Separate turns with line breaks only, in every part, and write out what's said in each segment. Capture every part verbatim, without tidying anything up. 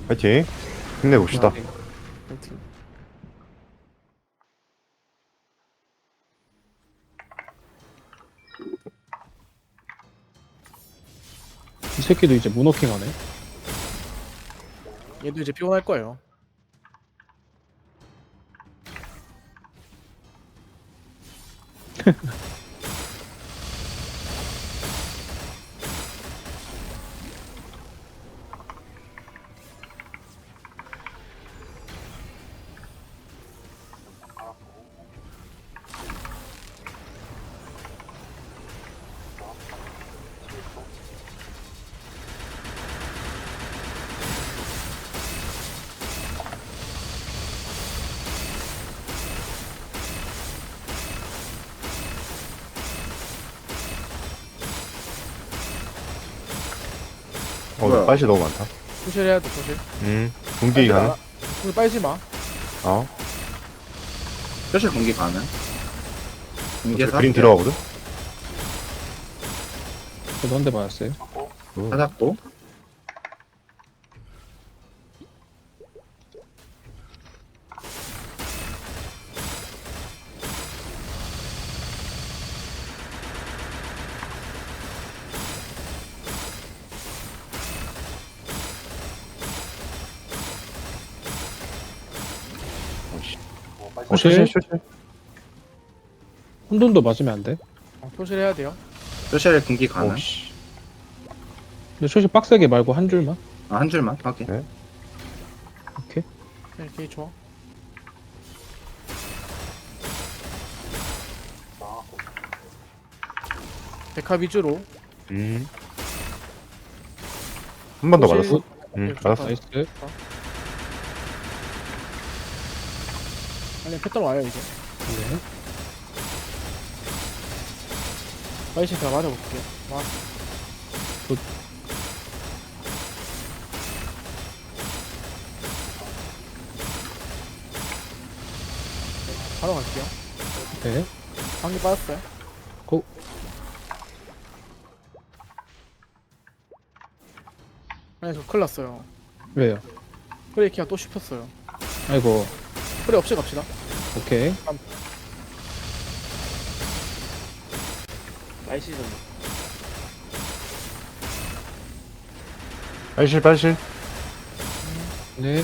파이팅. 힘내봅시다.
파이팅. 파이팅.
이 새끼도 이제 문워킹 하네.
얘도 이제 피곤할 거예요.
어,
뭐야?
빨시 너무 많다.
소실 해야 돼 소실.
음, 동기 가능?
오늘 빨지 마.
어,
표시 공기 가능? 공기에서
그린
할게요.
들어가거든?
저도 한 대 맞았어요.
오.
찾았고.
어,
소실?
쇼실, 쇼실.
혼돈도 맞으면 안 돼.
어, 소실 해야 돼요.
표시를 공기 가능?
오, 씨.
근데 초시 빡세게 말고 한 줄만.
아, 한 줄만? 확인.
네.
오케이.
네, 되게 좋아. 데카 위주로.
음. 한 번 더
소실-
맞았어? 음,
네,
맞았어.
나이스.
아니 패턴 와요 이제.
네.
빨리 제가 맞아볼게요. 와.
굿.
바로 갈게요.
네.
방귀 빠졌어요.
고.
아니 저 큰일 났어요.
왜요?
프레이키가 또 씹혔어요.
아이고.
프레이 없이 갑시다.
오케이.
날씨 좀.
빨실, 빨실.
네.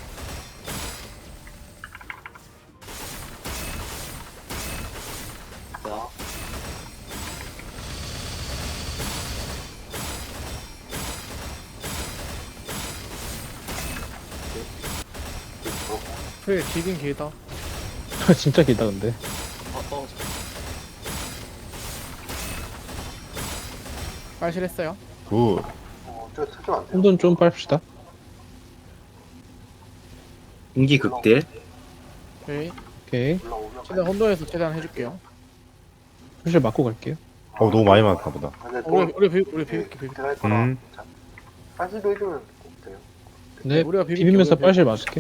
프레이 길긴 길다.
진짜 길다 근데.
빨실했어요.
굿.
혼돈 좀 빻시다.
공기 극딜.
오케이.
오케이.
최대한 혼돈에서 최대한 해줄게요.
초시 맞고 갈게요.
어, 너무 많이 맞았나 보다.
어, 우리 우리 비 우리 비빌게 비빌게.
음,
사실도 해주면 돼요.
네.
우리가 비빌게,
비비면서
우리가
빨실 맞을게.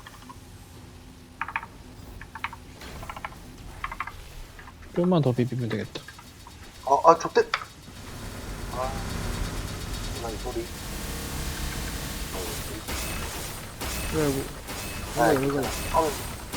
좀만 더 비비면 되겠다.
아, 아, 족대. 아, 나이 소리.
왜 뭐?
아,
왜, 왜, 왜, 왜.
하면,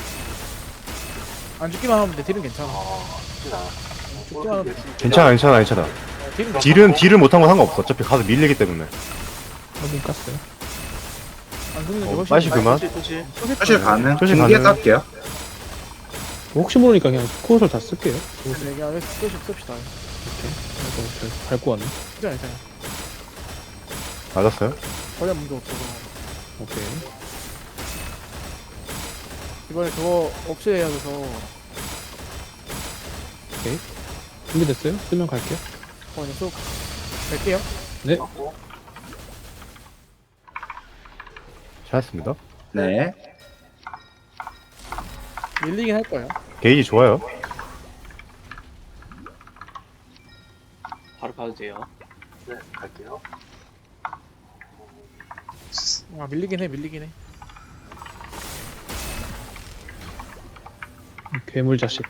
안 죽기만 하면 돼. 딜은 괜찮아.
아, 쉽진 않아.
죽기만 하면 돼.
괜찮아, 괜찮아, 괜찮아.
어, 딜은 괜찮아.
딜은, 딜을 못한 건 상관없어. 어차피 가서 밀리기 때문에.
확인 깠어요.
안 죽는 게
어,
훨씬
빨시
나아.
그만.
표시 가능?
표시
공기에서
가능.
할게요.
혹시 모르니까 그냥 코어설 다 쓸게요.
네, 그냥 끝이 씁시다.
아이고, 저 밟고 왔네.
괜찮아, 괜찮아.
맞았어요?
전혀 문제 없어서.
오케이.
이번에 저거 없애야 돼서.
준비됐어요? 쓰면 갈게요.
어, 그냥 쏙 갈게요.
네.
잘했습니다.
네.
밀리긴 할 거예요.
게이지 좋아요.
바로 봐도 돼요.
네, 갈게요.
아, 밀리긴 해, 밀리긴 해.
괴물 자식.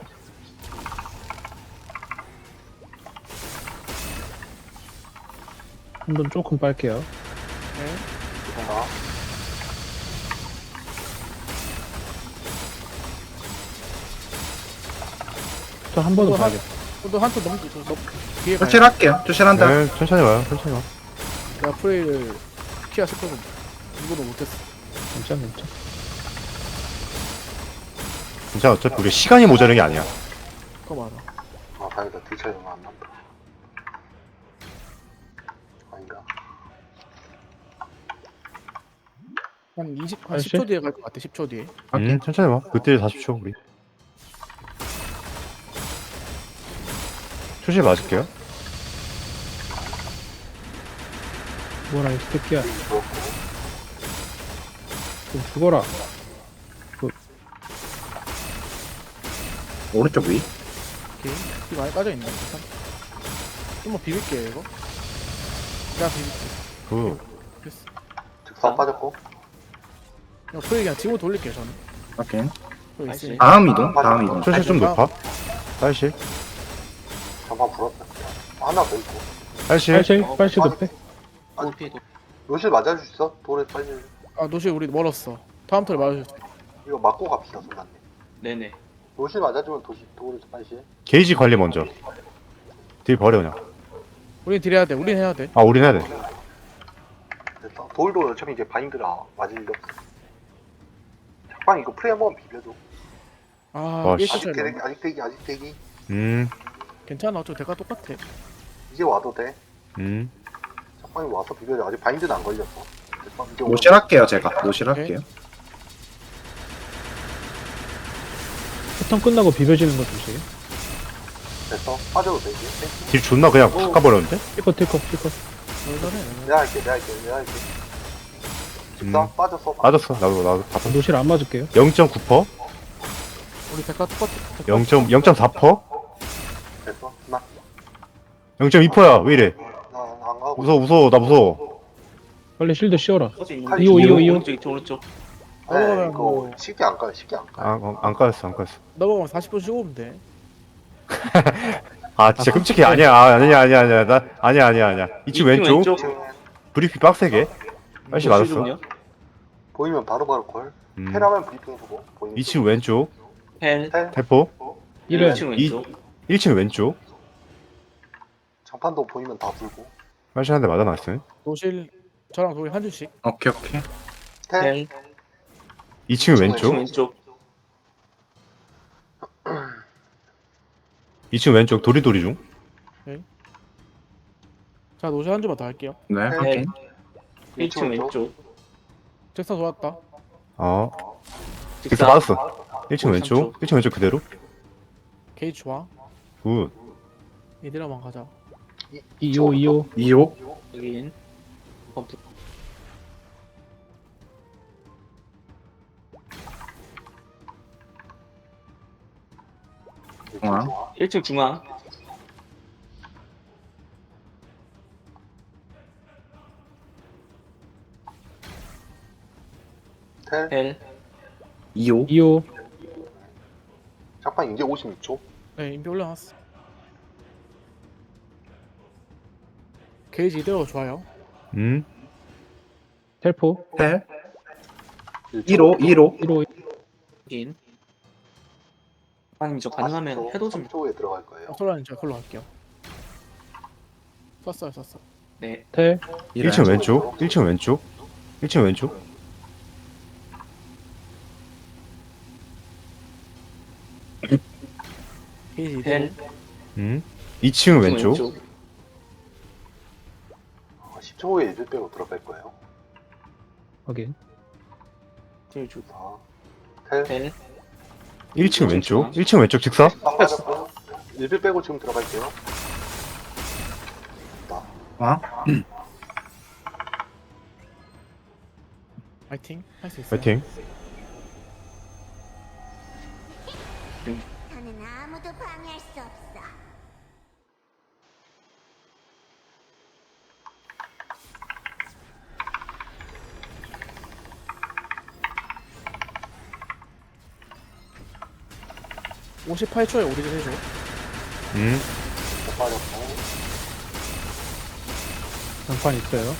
한번 조금 빨게요.
네.
자,
또 한 번은
또 한-
봐야겠다.
또 한턴 넘기 저 넘. 뒤에 가요.
출실할게요. 출실한다.
네, 천천히 와요, 천천히 와.
내가 프레이를 피하 싶어도 이거도 못했어.
괜찮아, 괜찮아.
괜찮아, 어차피 우리 시간이 모자란 게 아니야.
그거 맞아.
아 다행이다. 딜 차이 얼마 안 난다. 아닌가?
한 이십, 한
알지?
십 초 뒤에 갈 것 같아. 십 초 뒤에.
음, 천천히 와. 그때 사십 초, 우리. 초실 맞을게요.
죽어라, 이 새끼야.
그렇고
좀 죽어라.
오른쪽 위.
오케이. 이 많이 빠져있네. 좀만 비빌게요, 이거. 내가 비빌게.
그,
됐어.
즉사 빠졌고.
이거 프레이 그냥 뒤로 돌릴게요, 저는.
오케이.
또
알지.
있으니까.
다음 이동. 다음 이동.
초실 좀 높아. 딸실.
전방 불었다. 하나 더 있고.
딸실.
빨실, 빨실도 빼.
도 피해 도.
노실 맞아줄 수 있어? 돌에 빨리.
아, 노실 우리 멀었어. 다음 턴에 맞아주세요.
이거 맞고 갑시다, 손단님.
네네.
노실 맞아주면 도시 돌에 빨리.
게이지 관리 먼저. 딜 버려, 그냥.
우린 딜해야 돼. 우린 해야 돼.
아, 우린 해야 돼.
됐어. 돌도 어차피 이제 바인드라 맞을 일 없어. 빵 이거 프레이 한번 비벼줘.
아,
와,
일
씨.
아직
초 차이
대기, 아직 대기, 아직 대기.
음,
괜찮아. 어차피 대가 똑같아.
이제 와도 돼.
음.
빵이 와서 비벼줘. 아직 바인드는 안 걸렸어. 됐어. 이제
노실할게요. 제가 노실할게요.
패턴 끝나고 비벼지는 거 주세요.
됐어. 빠져도 되지.
딜 존나 그냥 깎아버렸는데?
티커, 티커, 티커.
얼마네.
내가 할게, 내가 할게, 내가 할게. 집사
음.
빠졌어.
맞았어. 나도, 나도 다 봤어.
노실 안 맞을게요.
영 점 구 퍼센트?
우리 대가 똑같아. 대가
영 점 사 퍼센트?
됐어. 나,
영 점 이 퍼센트야. 왜 이래?
나안 가고.
무서워, 무서워. 나 무서워.
빨리 실드 씌워라.
서지 있는
팔,
이호, 이호, 이호.
오른쪽 있죠 오른쪽.
네,
넘어가면
이거
뭐-
쉽게 안 가요. 쉽게 안 가.
아, 어, 안 까였어, 안 까였어.
넘어가면 사십 분 쉬고 오면 돼.
아, 진짜 끔찍해. 아니야, 아, 아니야, 아니야, 아니야. 나, 아니야, 아니야, 아니야. 이층 왼쪽.
지금
브리핑 빡세게. 빨리 맞았어.
노실은요?
보이면 바로바로 콜.
음.
테라면 브리핑 주고. 보이면
이층 왼쪽.
헬.
텔.
대포.
이래.
일 층
이-
왼쪽.
일 층 왼쪽.
장판도 보이면 다 불고.
빨리 한 대 맞아놨어요.
노실 저랑 도희 한 줄씩.
오케이 오케이.
텔.
헬.
이 층
일
왼쪽.
층 왼쪽.
이 층 왼쪽. 도리도리 중.
자, 노실 한 줄만 더 할게요.
네.
헬.
오케이.
일 층 왼쪽.
잭슨 좋았다.
어. 직사 맞았어. 일 층
오,
왼쪽.
삼 초.
일 층 왼쪽 그대로.
게이지 좋아.
굿.
얘들아만 가자.
이호, 이호.
이호.
여긴. 범프.
중앙.
일 층 중앙.
텔.
헬.
이호.
이호.
장판 이제 오십육 초.
네, 인비 올려놨어. 게이지 이대로 좋아요.
음.
텔포.
텔. 일호. 일호.
일호.
여긴. 아니 저 가능하면 해도 좀.
삼 초에 들어갈 거예요.
어, 솔라님 저 걸로 갈게요. 썼어요, 썼어.
네.
텔.
일 층 왼쪽. 일 층 왼쪽. 일 층 왼쪽.
게이지 이대로.
헬.
음. 이 층 왼쪽.
어, 십 초 후에 이들 빼고 들어갈 거예요.
확인.
제일 주.
자, 텔.
헬.
일 층 왼쪽. 일 층 왼쪽 직사.
딱 빠졌고. 일들 빼고 지금 들어갈게요. 나.
어?
파이팅. 할 수 있어요.
파이팅.
나는 아무도 방해할 수 없어.
오십팔 초에 오리진 해줘.
음.
못 빠졌고.
장판 있어요.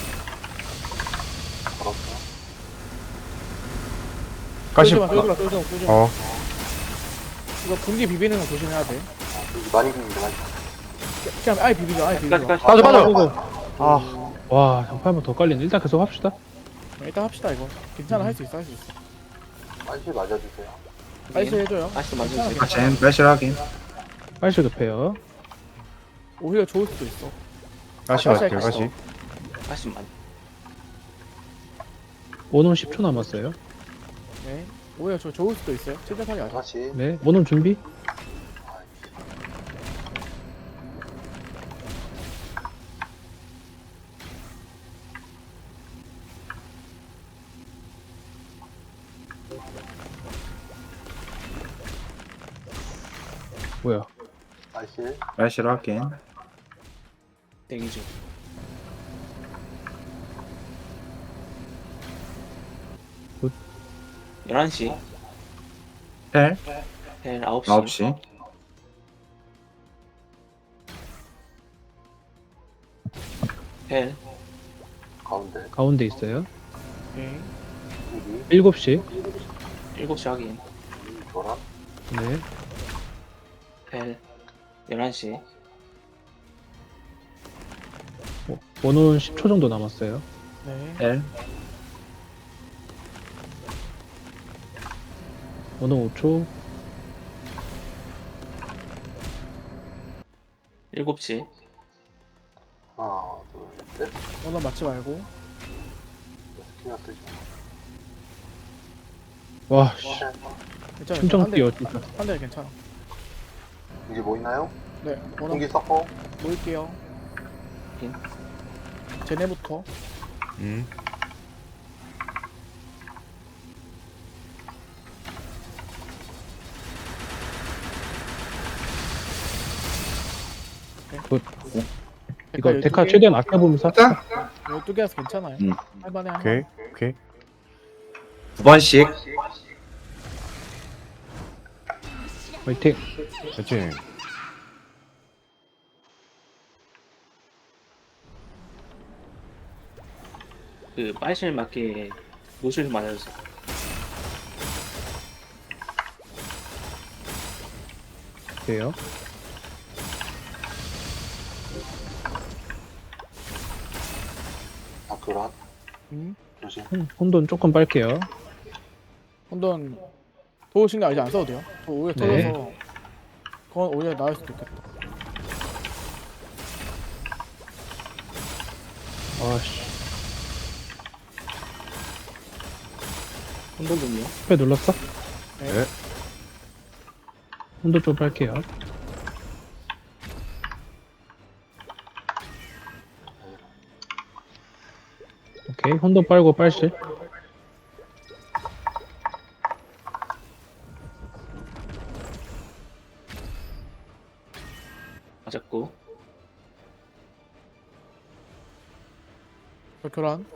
걸었어.
까시.
쫄지마, 쫄지마, 쫄지마, 쫄지마.
어.
이거 분기 비비는 거 조심해야 돼.
많이 비는데 많이.
그냥 아예 비비죠, 아예 비비죠.
까지 까지.
빠져 빠져.
아이고.
아
와, 전파 한번 더 깔리네. 일단 계속 합시다.
일단 합시다 이거. 괜찮아, 할 수 있어, 할 수 있어.
빨리 맞아주세요.
나이스 해줘요.
아직도
괜찮아,
만져주세요.
아, 젠 빨실 확인.
빨실 급해요.
오히려 좋을 수도 있어.
가시
다시
갈게요
할게요.
가시.
아직 만.
원혼 십 초 남았어요.
네. 오히려 저 좋을 수도 있어요. 최대하게 하자.
다시.
네, 원혼 준비. 뭐야?
다시.
빨실 확인.
대기 중.
굿.
열한 시.
텔
벨 아홉 시.
아홉 시.
벨
가운데.
가운데 있어요.
오케이.
여기.
일곱 시.
일곱 시 확인.
노란.
네.
벨 열한 시.
어, 원혼 십 초 정도 남았어요.
네.
텔
원혼 오 초.
일곱 시.
하나, 둘, 셋.
오늘 맞지 말고.
스키나 쓰지.
와, 씨.
괜찮아.
심장
한 대,
뛰어, 진짜.
한 대 괜찮아.
이제 뭐 있나요?
네. 오늘
공기 섞어.
모일게요.
빈.
쟤네부터.
음.
이거
열두
데카
개,
최대한 아껴보면서 합시다.
열두 개라서 괜찮아요.
음.
할만해, 할만해.
오케이 오케이.
두 번씩.
화이팅.
그렇지.
그 빨실 맞게 노실 좀 맞아주세요.
돼요.
아, 노란.
음.
조심.
혼- 혼돈 조금 빨게요.
혼돈 도우 신경 아직 안 써도 돼요. 저 오히려
네.
터져서 그건 오히려 나을 수도 있겠다.
아씨.
혼돈 좀요.
스페 눌렀어?
네.
혼돈 좀 빨게요. 오케이, 혼돈 빨고 빨실.
맞았고.
저 교란.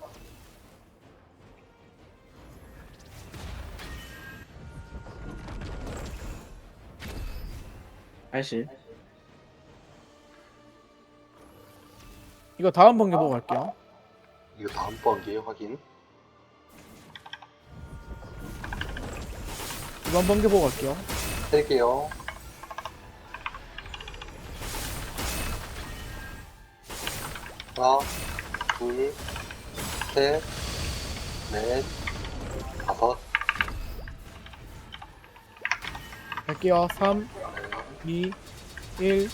빨실.
이거 다음 번개 보고 갈게요.
이거 다음 번기에 확인.
이번 번개 보고 갈게요.
셀게요. 하나, 둘, 셋, 넷, 다섯.
갈게요. 삼, 이, 일.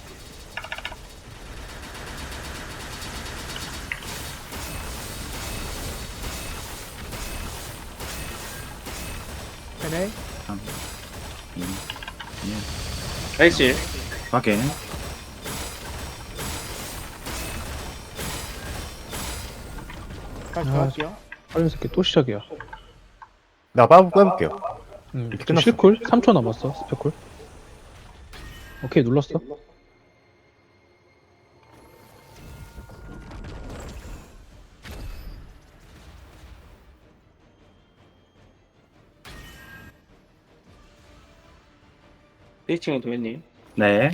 되네.
삼, 이, 일.
빨실.
확인.
다시
아,
들어갈게요.
빨리 새끼 또 시작이야.
나 빠부 빼볼게요.
음,
이렇게 끝났어.
실쿨? 삼 초 남았어, 스페쿨. 오케이, 눌렀어.
스위칭은 도현님.
네.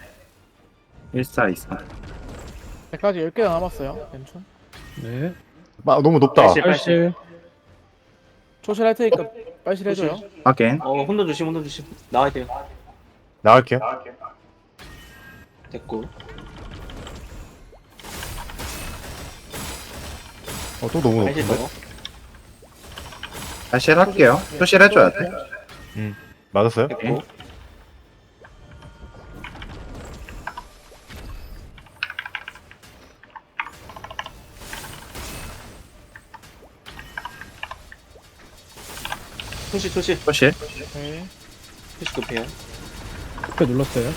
일사이사.
백까지 열 개가 남았어요. 괜찮?
네.
아 너무 높다.
빨실.
빨실.
초실 할 테니까 빨실 해줘요.
확인.
어 혼돈 조심 혼돈 조심 나와야 돼요.
나갈게요.
됐고
어, 또 너무
빨실
높은데?
넣어.
다시 할게요. 표시를 해줘야 돼.
맞았어요?
됐고 토시 토시
표시.
네.
토시 급해요.
스페 눌렀어요.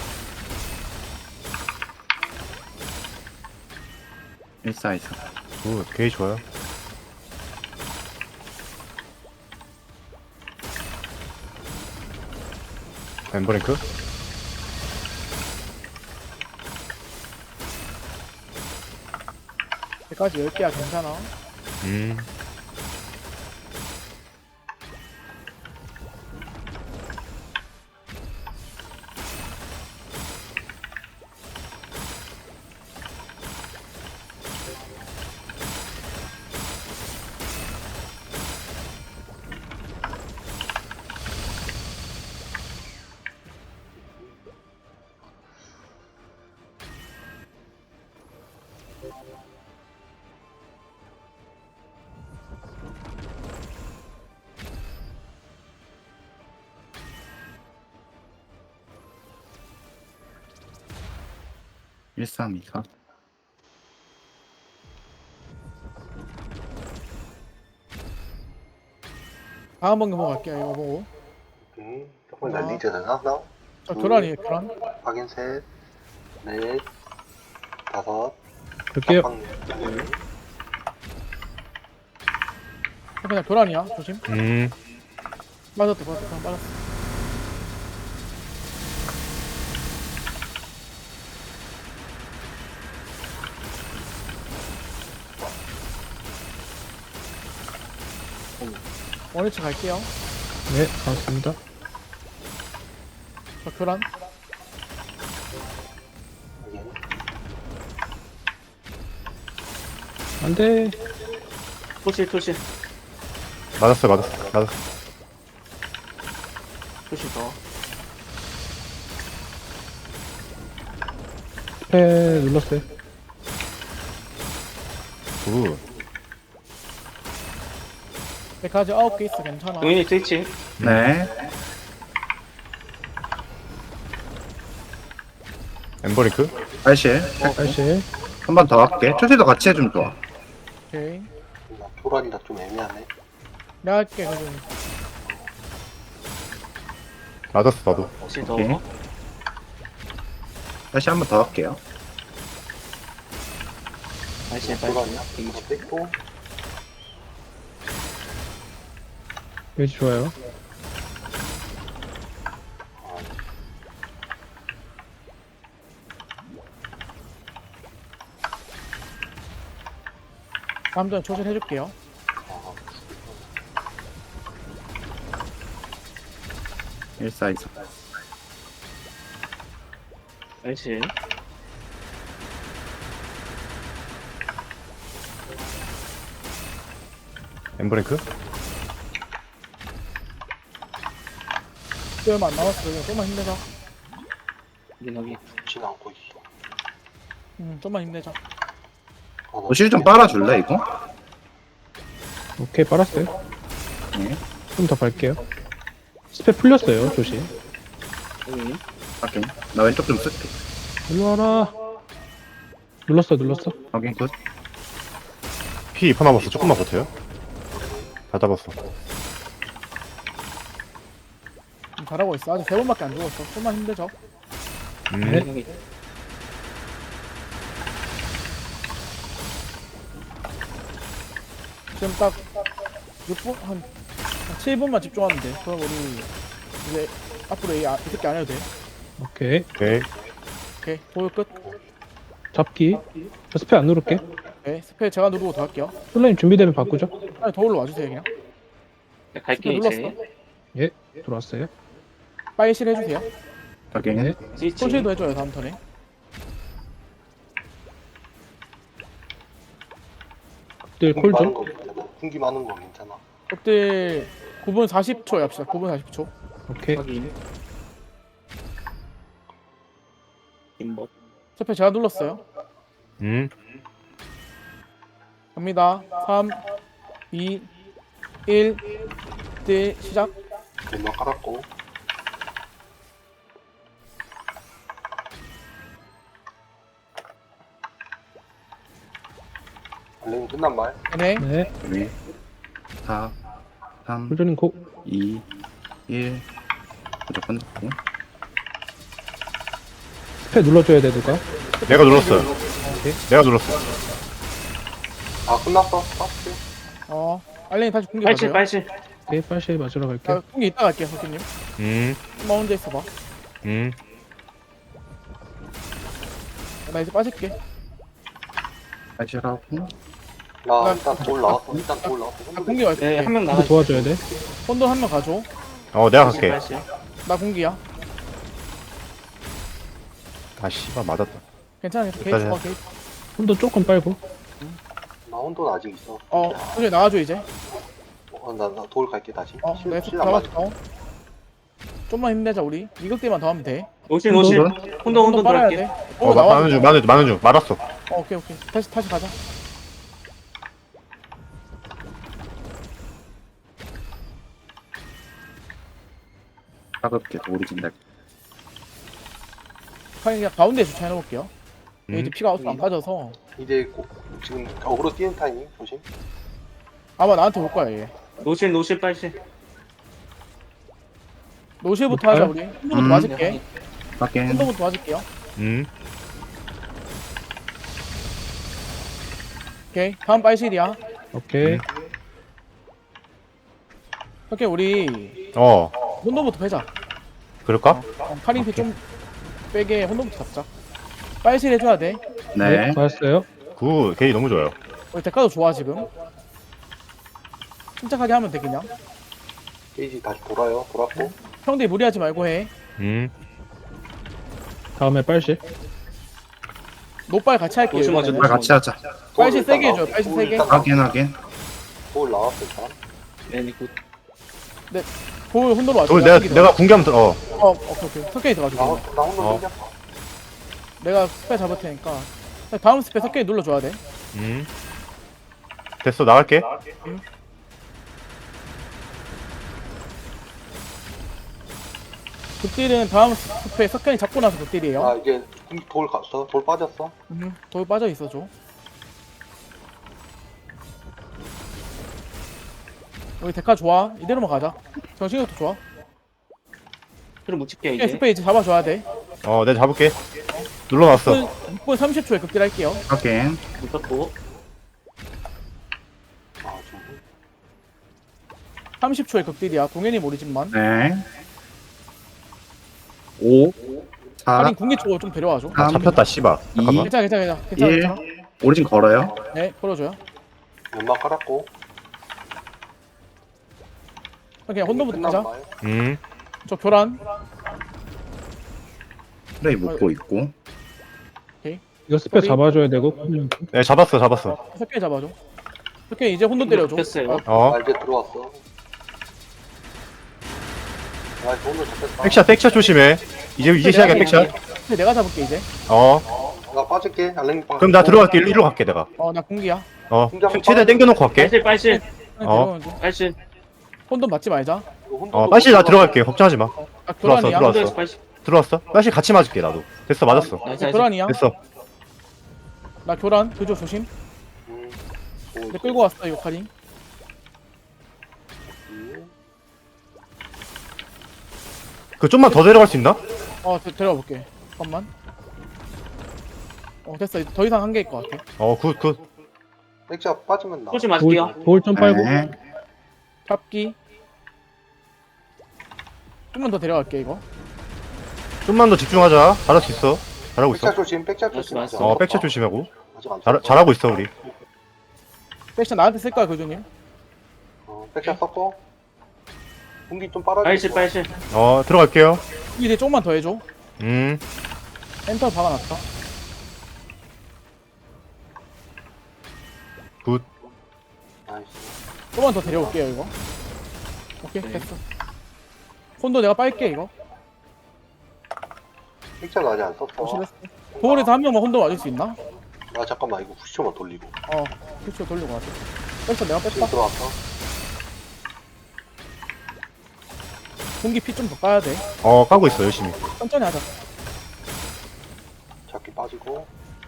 일사이사.
굿, 게이 좋아요. 엠버링크?
여기까지 열 개야 괜찮아.
음.
일삼이사.
다음 번개 보고 갈게요. 이거 보고.
음, 조금 날리지 되나? 나?
저 교란이에요 교란.
확인 셋, 넷, 다섯,
그럴게요.
방, 네.
그냥 교란이야. 조심.
음.
맞았다 맞았다 맞았어. 원위치 갈게요.
네, 반갑습니다.
저 교란.
확인.
안 돼.
토시 토시
맞았어, 맞았어, 맞았어.
토시 더.
스페 눌렀어요.
굿.
여기까지 아홉 개 있어 괜찮아.
동현이 스위치
네.
엠버링크?
팔실.
다시.
한 번 더 할게. 표시도 같이 해주면 좋아.
오케이.
나 교란이라 좀 애매하네.
내가 할게 그럼.
맞았어, 나도.
토시 더.
오케이. 다시 한 번 더 할게요.
빨실
교란이야?
빨실.
이거 뺐고,
위치 좋아요.
다음 전에 초실 해줄게요.
일사이사.
빨실
엠버링크?
또 얼마 안 남았어. 그냥 좀만 힘내자.
여기 여기
좋진 않고 있어.
음, 좀만 힘내자.
아, 나
표시 좀 빨아줄래, 이거?
오케이, 빨았어요.
네.
좀 더 밟게요. 스페 풀렸어요, 조심.
여기
확인. 나 왼쪽 좀 쓸게.
일로 와라. 눌렀어, 눌렀어.
확인, 굿.
피 이 퍼 남았어. 조금만 버텨요. 다 잡았어.
음, 잘하고 있어. 아직 세 번밖에 안 죽었어. 좀만 힘내자.
음.
네.
여기
지금 딱 육 분? 한, 한 칠 분만 집중하면 돼. 그럼 우리 이제 앞으로 이, 아, 이 새끼 안 해도 돼.
오케이.
오케이.
오케이. 도일 끝.
잡기. 저 스페 안 누를게.
네. 스페 제가 누르고 더 할게요.
솔라님 준비되면 바꾸죠.
아니, 도울로 와주세요, 그냥.
갈게
눌렀어.
이제.
예, 들어왔어요.
빨실 해주세요.
확인.
네.
스위치
소실도 해줘요, 다음 턴에.
늘
군기
콜
많은
좀.
거 괜찮아. 군기 많은 거 괜찮아.
그때 구 분 사십 초에 합시다. 구 분 사십 초.
오케이.
확인. 임법.
스페 제가 눌렀어요.
음.
갑니다. 삼, 이, 일. 네, 시작.
연막 깔았고. 알랭이 끝난 말.
네.
네.
네. 사, 삼,
홀조님 고.
이, 일. 무조건 넣고.
스페 눌러줘야 돼 누가?
내가 눌렀어요. 내가 눌렀어.
아 끝났어. 빠졌지.
어. 알랭이 다시 공개
빨실
가져요.
빨실.
오케이 빨리 맞으러 갈게.
나 공개 이따 갈게요, 석기님.
음.
엄마 혼자 있어봐.
음.
나 이제 빠질게.
하시라고.
나
나-
일단 돌 나왔어. 일단 돌 나왔어.
나 공개 갈게.
네, 한 명
누구
나가.
도와줘야 돼?
혼돈 한 명 가줘.
어, 내가 갈게.
빨실.
나 공기야.
아, 씨발, 맞았다.
괜찮아, 괜찮아.
여기까지
게이트, 어, 게이트.
혼돈 조금 빨고.
나 혼돈 아직 있어.
어, 소리 나와줘 이제.
어, 나, 나 돌 갈게 다시.
어,
실-
내
실력
잡았어.
맞아.
어. 좀만 힘내자 우리. 이것 때만 더 하면 돼.
노실 노실.
혼돈?
혼돈 혼돈
빨아야
들어갈게.
돼.
어,
어,
마,
나와.
많은 중, 많은 중, 많은 중. 말았어.
어, 오케이, 오케이. 다시, 다시 가자.
가볍게 오리진 날.
그냥 가운데 주차해 놓을게요.
음.
이제 피가 안 빠져서
이제 고, 지금 어그로 뛰는 타이밍 조심.
아마 나한테 올 거야 얘.
노실 노실 빨실.
노실부터 하자 우리. 혼돈부터
음.
맞을게.
확인.
혼돈부터 맞을게요.
음.
오케이. 다음 빨실이야.
오케이.
음.
오케이 우리
어,
혼돈부터 빼자.
그럴까?
어, 카링피 좀 빼게 혼돈부터 잡자. 빨실 해줘야 돼.
네.
맞았어요.
굿. 게이 너무 좋아요.
우리 대가도 좋아 지금. 침착하게 하면 돼 그냥.
게이지 다시 돌아요. 돌았고.
형들이 무리하지 말고 해.
음.
다음에 빨실.
노빨 같이 할게요.
노실 맞아,
이번에는.
아, 같이 하자.
돌
빨실
일단
세게 해줘요,
나왔어.
빨실
돌
세게.
일단 나왔어.
확인, 확인.
돌 나왔어 일단.
네, 굿.
돌 혼돈으로 와줘.
돌, 내가, 내가 공개하면, 들- 어.
어, 오케이 오케이. 석게이 들어가줘.
나,
그러면.
혼- 나 혼돈
어.
생겼어.
내가 스페 잡을 테니까. 다음 스페 석게이 눌러줘야 돼.
음. 됐어, 나갈게.
극딜은 다음 스페 석게이 잡고 나서 극딜이에요.
아 이제 돌 갔어. 돌 빠졌어.
음, 돌 빠져 있어줘. 여기 데카 좋아. 이대로만 가자. 정신력도 좋아.
그럼 못 찍게
오케이,
이제.
스페 이제 잡아줘야 돼.
어, 내가 잡을게. 눌러놨어.
육 분 삼십 초에 극딜 할게요.
확인.
묶었고.
아 좀.
삼십 초에 극딜이야. 동현이 모르지만.
네. 오, 사,
할인 궁기 쪽으로 좀 데려와줘.
아, 잡혔다, 씨발. 잠깐만.
괜찮아, 괜찮아, 괜찮아. 괜찮아,
일.
괜찮아.
오리진 걸어요.
네, 걸어줘요.
연막 깔았고.
그냥 혼돈부터
끝난
가자.
말.
음.
저 교란.
프레이 묶고 있고.
이거 스페
우리-
잡아줘야 되고.
네, 잡았어, 잡았어.
석계 잡아줘. 석계 이제 혼돈 때려줘.
잡혔어요.
아,
어.
아 이제 들어왔어. 아 혼돈 잡혔다.
백샷, 백샷 조심해. 이제, 이제 시작이야, 백샷.
근데 내가 잡을게 이제.
어.
나 빠질게. 알랭이 빠.
그럼 나 들어갈게. 일로, 일로 갈게, 내가.
어, 나 궁기야.
어. 최대한 땡겨놓고 갈게.
빨실 빨실.
어.
어.
빨실.
혼돈 맞지 말자.
어, 빨리 나 들어갈게. 걱정하지 마.
나
들어왔어,
교란이야.
들어왔어.
혼돈에서 빨실.
들어왔어? 빨리 같이 맞을게, 나도. 됐어, 맞았어.
나이스
나
나이스.
교란이야.
됐어.
나 교란. 그조 조심.
음.
내 끌고 왔어 이거 카링.
그 좀만 더 데려갈 수 있나?
어, 데, 데려와 볼게. 잠깐만. 어, 됐어. 더 이상 한계일 것 같아.
어, 굿, 굿.
백자 빠지면 나.
쏘지 마실게요.
돌 좀 빨고.
네.
잡기. 좀만 더 데려갈게 이거.
좀만 더 집중하자. 잘할 수 있어. 잘하고 있어.
백자 조심. 백자 조심.
알았어,
아직
어,
안
백샷
썼다.
조심하고.
아직 안
잘,
썼어.
잘하고 있어, 우리.
백션 나한테 쓸 거야 그조님.
어, 백자 썼고. 공기 좀 빨아줘.
빨실 빨실.
어, 들어갈게요.
이제 조금만 더 해줘.
음.
엔터 박아놨다.
굿.
나이스.
조금만 더 데려올게요 이거. 오케이
네.
됐어. 콘도 내가 빨게 이거.
액자는 아직 안 썼어.
조심했어. 도울에서 한 명만 혼돈 맞을 수 있나?
아 잠깐만 이거 구십초만 돌리고.
어 그쵸 돌리고 가자. 뺐어 내가
지금
뺐다.
들어왔어.
공기 피 좀 더 까야 돼.
어 까고 있어 열심히.
천천히 하자.
잡기 빠지고.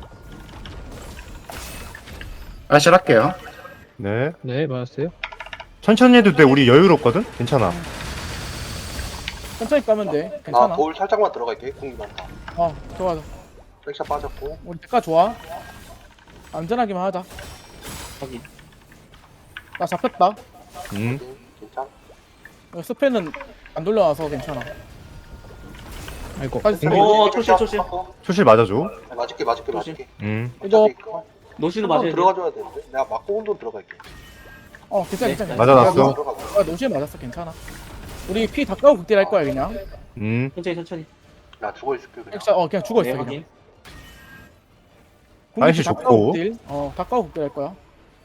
빨실 할게요.
네.
네, 맞았어요.
천천히 해도 돼. 우리 여유롭거든. 괜찮아.
천천히 까면 돼. 괜찮아.
나 돌 살짝만 들어갈게. 공기 많다.
어 좋아 좋아.
액자 빠졌고.
우리 대가 좋아. 안전하기만 하자.
확인.
나 잡혔다.
음.
괜찮?
이거 스페는 안 돌려와서 괜찮아.
아이고.
빠지
어, 초실, 초실.
초실 맞아줘.
맞을게 맞을게
초실.
맞을게.
음.
이거
노시도
혼돈
맞아야 돼.
들어가줘야 되는데. 내가 맞고 혼돈 들어갈게.
어 괜찮아
네,
괜찮아.
맞아놨어.
내가
들어가고.
아, 노시에 맞았어 괜찮아. 우리 피 다 까고 극딜 할 거야 그냥.
음.
천천히 천천히.
나 죽어 있을게 그냥.
진짜 어 그냥 죽어 있어
네,
그냥.
확인.
공기
아이씨,
다
좋고.
까고 극딜. 어다 까고 극딜 할 거야.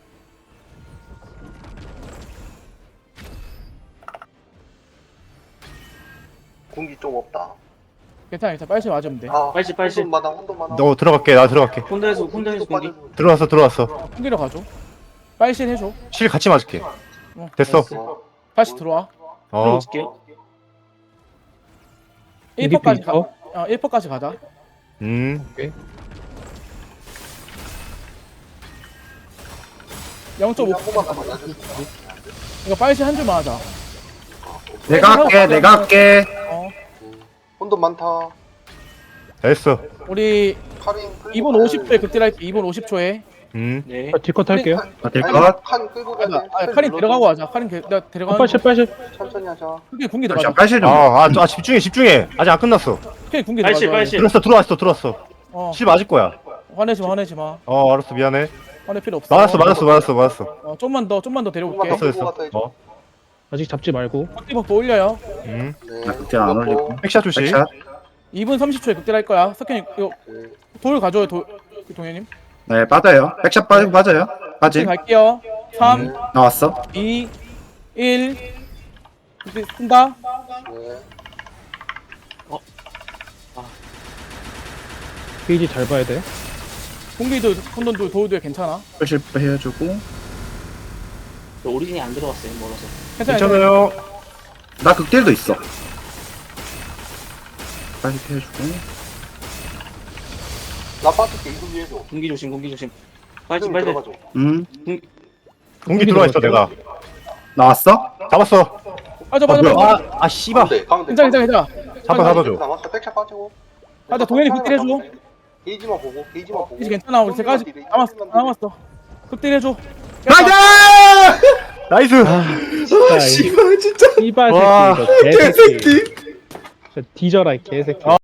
공기 좀 없다.
괜찮아 괜찮아. 빨리 맞으면 돼.
아,
빨실, 빨실.
혼돈 많아 혼돈 많아.
너 들어갈게. 나 들어갈게.
혼돈에서 혼돈에서 공기.
들어왔어 들어왔어.
어, 공기로 가줘. 빨실 해줘.
실 같이 맞을게.
어,
됐어.
어,
다시 들어와.
어.
어.
찍게요.
일 퍼까지 가.
어?
어 일 퍼까지 가자.
음.
영 점 오
한 번만 더 맞아줄 수 있어.
이거 빨실 한 줄만 하자.
내가 할게, 내가 할게.
어
혼돈 많다.
됐어.
우리
카린 끌고
이 분
가야
오십 초에 극딜 할게. 이 분 오십 초에.
음.
네.
아, 뒷컷 할게요.
아, 될
칸,
것.
칸 끌고 가야 돼.
아, 아 카린 데려가고 하자. 카린 게- 내가 데려가는
아, 빨실, 빨실.
천천히 하자.
크게 궁기
잠시만,
들어가자.
빨실 좀.
아, 아, 아 집중해 집중해. 아직 안 끝났어.
크게 궁기
빨실
들어가자.
빨실.
들었어 들어왔어 들어왔어.
어
실 맞을 거야.
화내지 마 화내지 마.
어 알았어 미안해.
화낼 필요 없어.
맞았어 맞았어 맞았어 맞았어.
어 좀만 더 좀만 더 데려올게.
좀만
됐어 됐어. 어.
아직 잡지 말고.
극딜버프 올려요.
음.
네.
나 그때 안 올리고.
백샷 조심.
백샷.
이 분 삼십 초에 극딜 할 거야. 석현이 이거
네.
돌 가져요 돌 동현님.
네, 빠져요. 백샷 빠지고 빠져요. 빠지.
갈게요. 삼,
나왔어.
이, 일. 극딜 쓴다.
네.
페이지 잘 봐야 돼.
공기도 혼돈도 도우도 괜찮아.
빨실 해주고.
저 오리진이 안 들어갔어요. 멀어서.
괜찮아.
괜찮아요.
나 극딜도 있어. 빨실 해주고.
나 빠질게 이분 위에 줘.
공기 조심 공기 조심.
지금
빨실 빨실.
들어가줘.
음,
공기 들어와 있어 내가.
나왔어?
잡았어.
빠져 빠져
뭐야?
빠져.
아, 아 씨발.
가운데 가운데.
괜찮아 괜찮아 괜찮아.
잡아 잡아줘.
남았어. 백차 빠지고.
아, 나 동현이 극딜 해줘.
게이지만 보고 게이지만 보고.
이제 괜찮아. 우리 세까지 남았어 남았어. 극딜 해줘.
나이스!
나이스.
아, 씨발,
씨발, 진짜.
씨발
와,
새끼, 이거 개새끼.
개새끼.
진짜 뒤져라, 이 개새끼.